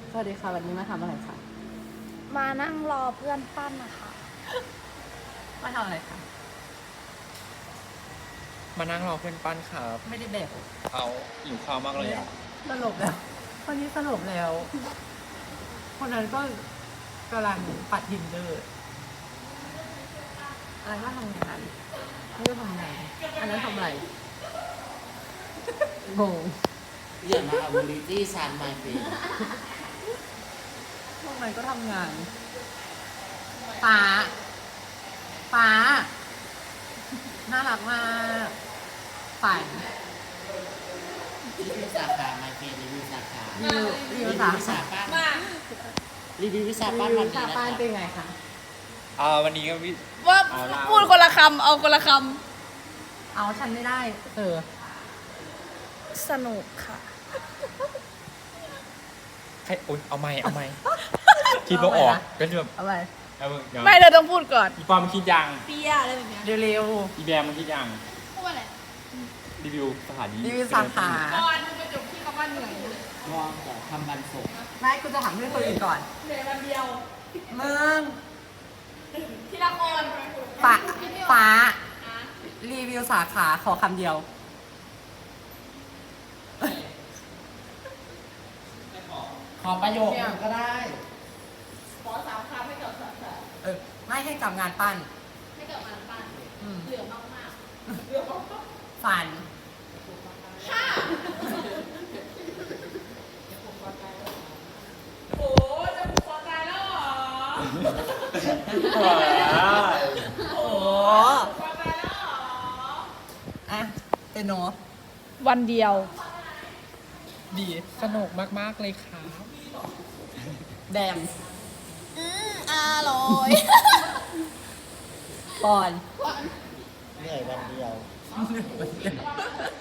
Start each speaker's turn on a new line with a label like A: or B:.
A: สวัสดีค่ะวันนี้มาทำอะไรคะ
B: มานั่งรอเพื่อนปั้นนะคะ
A: มาทำอะไรคะ
C: มานั่งรอเพื่อนปั้นครับ
A: ไม่ได้แบบ
C: เอาหิวข้าวมากเลยอ่ะ
A: สลบแล้วคนนี้สลบแล้ว คนนั้นก็กำลังปัดทินเดอร์อะไรก็ทำงานนี่ก็ทำงานอันนั้นทำอะไรงง
D: อย่ามาเอาบูลลี่ฉันมาสิ
A: พวกนั้นก็ทำงานฟ้าฟ้าน่ารักมากฝัน
D: รีวิวสาขามาเฟรีวิวสาขา
A: รีวิว
D: วิ
A: สา
D: ชาปั้นรีวิววิชาปั้น
A: รีวิ
D: วั
A: วน
D: นี้
A: ชา
D: นะ
A: ป้าน
D: คะ
A: เป็นไงคะ
C: วันนี้ก็วิ
B: ว่า
C: เอาละ
B: พูดคนละคำเอาคนละค
A: เอาฉันไม่ได้เออ
B: ำสนุกค่ะ
C: ให้โอ๊ยเอาไม่คิดว่าออกก็แบบ
A: เอาไป
C: เอาเดี๋ยว
B: ไม่เธอต้องพูดก่อน
C: อีปอมมันคิดยัง
B: เปียอะไรแบบเนี้ย
A: เร็ว
C: อีแบมมันคิดยัง
B: พูดอะไร
C: รีวิวสถานี
A: ๆรีวิวสาขา
B: ก่อนมึงไปจบที่คำว่าเหนื่อยนะ
D: มองแต่ทำบันส่ง
A: ไม่กูจะถามเพื่อนคนอื่นก่อน
B: เหนื่อยวันเดียว
A: มึง
B: ทีละคน
A: ฟ้ารีวิวสาขาขอคำเดียว
D: ขอประโยค
A: เนี่ยก็ได้
B: ขอ3 คำให้กับสาขา
A: เออ ไม่ให้กับงานปั้น
B: ให้กับมันปั้น
A: อืม
B: เหลือมากๆเหลือมาก
A: ฝัน
B: ๆค่ะโอ้จะผูกคอตายแล้วเหรอ
A: โอ้
B: คอตายแล้วเหรอ
A: อะเป็นโน
B: วันเดียว
C: ดีสนุกมากๆเลยครับ
A: แดม
B: อร่อย
A: ก่อน
D: เหนื่อยวันเดียว